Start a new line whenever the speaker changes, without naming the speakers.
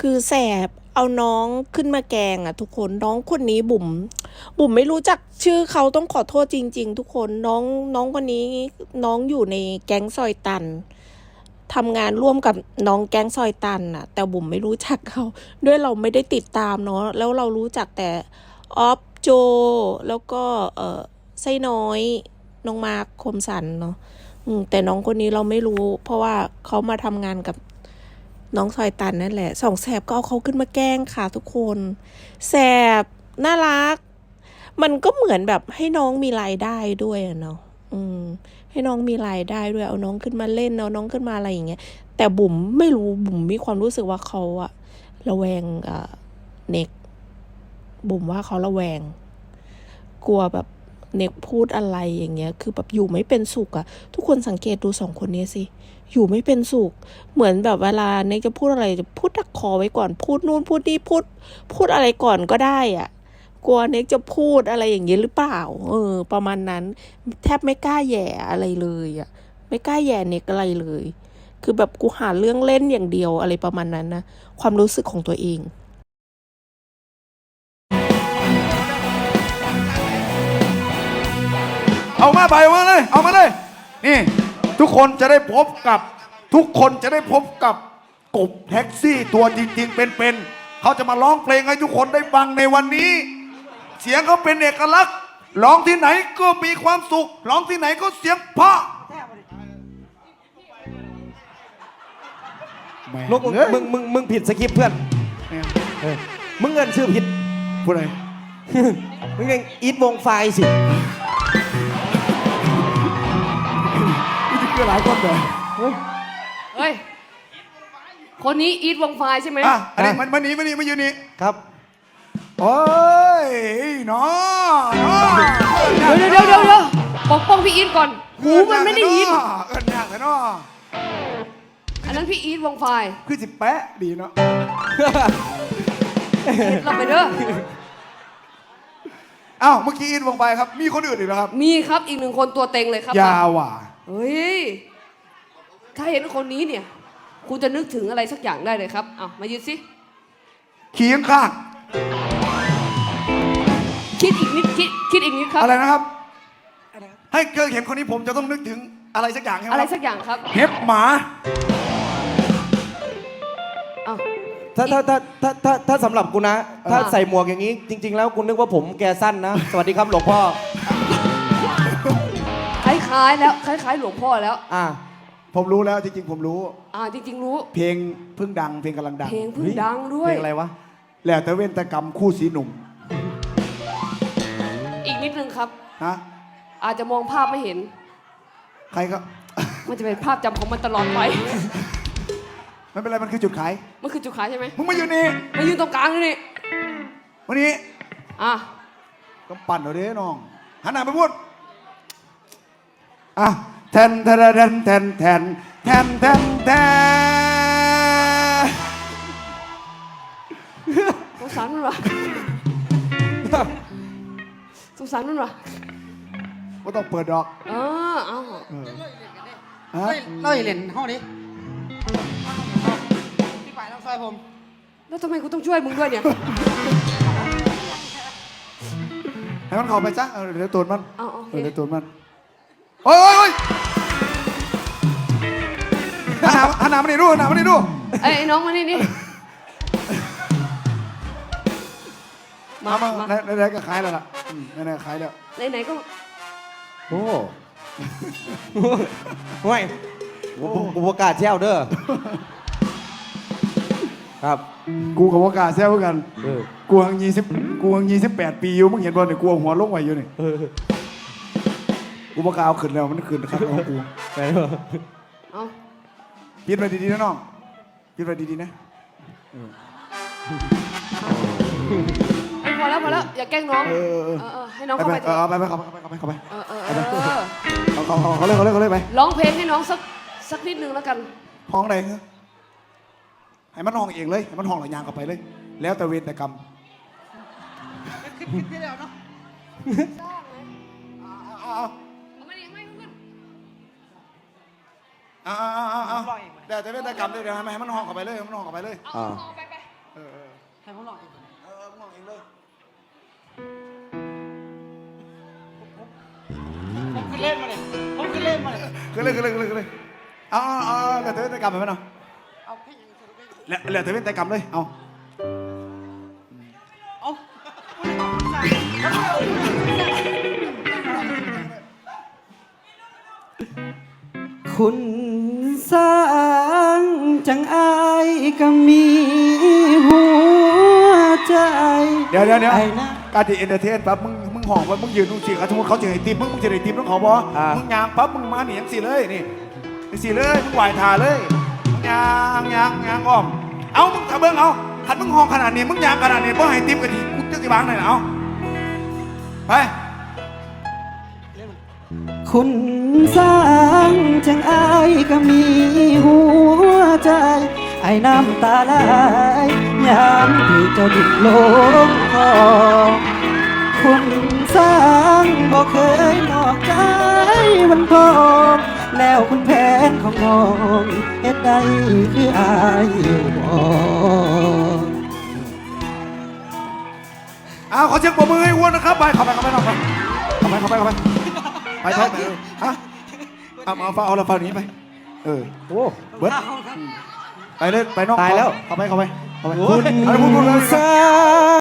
คือแสบเอาน้องขึ้นมาแกงอ่ะทุกคนน้องคนนี้บุ๋มไม่รู้จักชื่อเขาต้องขอโทษจริงๆทุกคนน้องคนนี้น้องอยู่ในแก๊งซอยตันทำงานร่วมกับน้องแก๊งซอยตันน่ะแต่บุ๋มไม่รู้จักเขาด้วยเราไม่ได้ติดตามเนาะแล้วเรารู้จักแต่ออฟโจแล้วก็ไส้น้อยน้องมาร์คคมสันเนาะแต่น้องคนนี้เราไม่รู้เพราะว่าเขามาทำงานกับน้องซอยตันนั่นแหละสองแสบก็เอาเขาขึ้นมาแกล้งค่ะทุกคนแสบน่ารักมันก็เหมือนแบบให้น้องมีรายได้ด้วยอะเนาะให้น้องมีรายได้ด้วยเอาน้องขึ้นมาเล่นเอาน้องขึ้นมาอะไรอย่างเงี้ยแต่บุ๋มไม่รู้บุ๋มมีความรู้สึกว่าเขาอะระแวงเน็กบุ๋มว่าเขาระแวงกลัวแบบเน็กพูดอะไรอย่างเงี้ยคือแบบอยู่ไม่เป็นสุขอะทุกคนสังเกตดูสองคนนี้สิอยู่ไม่เป็นสุขเหมือนแบบเวลาเน็กจะพูดอะไรจะพูดดักคอไว้ก่อนพูดนู่นพูดนี่พูดอะไรก่อนก็ได้อะกลัวเน็กจะพูดอะไรอย่างเงี้ยหรือเปล่าประมาณนั้นแทบไม่กล้าแย่อะไรเลยอะไม่กล้าแย่เน็กอะไรเลยคือแบบกูหาเรื่องเล่นอย่างเดียวอะไรประมาณนั้นนะความรู้สึกของตัวเอง
เอามาไปเอามาเลยเอามาเลยนี่ทุกคนจะได้พบกับกบแท็กซี่ตัวจริงๆเป็นเขาจะมาร้องเพลงให้ทุกคนได้ฟังในวันนี้เสียงเขาเป็นเอกลักษณ์ร้องที่ไหนก็มีความสุขร้องที่ไหนก็เสียงเพราะ
ลูกมึงผิดสคริปต์เพื่อนมึงเงินชื่อผิด
พูดอะไร
มึงยังอีทวงไฟสิ
นี่คือหลายคนเลย
เฮ้ยคนนี้อีทวงไฟใช่ไหม
อันนี้มันนี้มาอยู่นี่
ครับ
โอ้ยน้อ
เดี๋ยวปกป้องพี่อีทก่อนหูมันไม่ได้ยิน
เอิ้นยากเลยเนาะ
อันนั้นพี่อีทวงไฟ
คือสิแปะดีเนาะ
เราไปเด้อ
อ้าวเมื่อกี้อินวงไปครับมีคนอื่นอีกแล้วครับ
มีครับอีกหนึ่งคนตัวเต็งเลยครับ
ยาวว่ะ
เฮ้ยถ้าเห็นคนนี้เนี่ยคุณจะนึกถึงอะไรสักอย่างได้เลยครับเอามายืนสิ
ขี่ข้าง
คิดอีกนิดคิดอีกนิดครับ
อะไรนะครับให้เกิดเห็นคนนี้ผมจะต้องนึกถึงอะไรสักอย่างใช่ไหม
อะไรสักอย่างครับ
เห็บหมา
ถ้าสำหรับกูนะถ้าใส่หมวกอย่างนี้จริงๆแล้วกูนึกว่าผมแกสั้นนะสวัสดีครับหลวงพ่อ
คล้ายหลวงพ่อแล้ว
ผมรู้แล้วจริงๆผมรู้
จริงๆรู้
เพลงเพิ่งดังเพลงกำลังดัง
เพลงเพิ่งดังด้วย
เพลงอะไรวะ
แล้วแต่เว้นแต่กรรมคู่สีหนุ่ม
อีกนิดนึงครับ
นะ
อาจจะมองภาพไม่เห็น
ใครก็
มันจะเป็นภาพจำของมันตลอดไป
ไม่เป็นไรมันคือจุดขาย
มันคือจุดขายใช่ไหม
มึงมาอยู่นี่
มายืนตรงกลางนี่
วันนี้
ก็
ปั่นเอาดิน้องหันหน้าไปพูดแทน
สงสารมันวะสงสารมันวะ
ว่าต้องเปิดดอก
เราอย่าเล่นห้องนี้พี่ฝ่ายต้องช่วยผม
แล้วทำไมกูต้องช่วยมึงด้วยเนี่ย
ให้มันเข้าไปจ้ะเดี๋ยวตูนมันเดี๋ยวตูนมันโอ้ยหันหน้ามานี่ดู
ไอ้น้องมานี่
มาไหนก็ขายแล้วล่ะไหนก็ขายแล้ว
ไหนก็
โอ้ห่วยกูประกาศแช่วเด้อครับ
กูกับว่ากาแซวกันกูหัง28 ปีอยู่มึงเห็นบอลเนี่ยกูหัวลงไว้อยู่นี่กูประกาศเอาขึ้นแล้วมันขึ้นครับของกู
ไปเถอะ
ปิดไว้ดีๆนะน้องปิดไว้ดีๆนะ
พอแล้วอย่าแกล้งน้องให้น้องเข้าไป
เข้าไปเขาเลยไป
ร้องเพลงให้น้องสักนิดนึงแล้วกัน
ห้องไหนให้มันห้องเองเลยให้มันห้องหลังยางกลับไปเลยแล้วแต่เวรแต่กรรม
ที่แล้วเนาะ
แต่เวรแต่กรรมเลยเดี๋ยวให้มันห้องกลับไปเลยให้มันห้องกลับไปเลย
ให้ผมลองเอง
มองเองเลย
ผมขึ้นเล่นมาเลยผมขึ้นเล่นมาเลย
ขึ้นเลยเอาเหลือเธอแต่กรรมไปไหมเนาะ
เอาแค่ยังสรุปไม่
เหลือเธอเป็นแต่กรรมเลยเอา
เอา
คุณสร้างจังอายก็มีหัวใจ
เดี๋ยว
ไอ้นะ
การที่เอนเตอร์เทนปั๊บมึงห่องปั๊บมึงยืนตรงสี่สมมติเขาจะให้ติมมึงจะได้ติมต้องขอบอมึงยางปั๊บมึงมาหนีอย่างสี่เลยนี่สี่เลยมึงไหวทาเลยมึงยางอ้อมเอามึงถ้าเบิ้งเอาขันมึงห่องขนาดนี้มึงยางขนาดนี้เพราะให้ติมกันทีกูจะสิบางหน่อยเอาไป
คุณสร้างจังอายก็มีหัวใจ ไอ้น้ำตาไหลยามที่เจ้าดิ้นลงคอคุณสร้างบอกเคยนอกใจมันพอแล้วคุณแผนของน้องเฮ็ดได้คืออายอยู่บ่
เอาขอเช็คปรบมือให้อ้วนนะครับไปเข้าไปนอกไปไปฮะเอาเอาเราฟังนี้ไปโอ้เบิร์ดไปเลยไปนอก
ตายแล้ว
เข้าไป
คุณ
เอาพูดเลย
สร้าง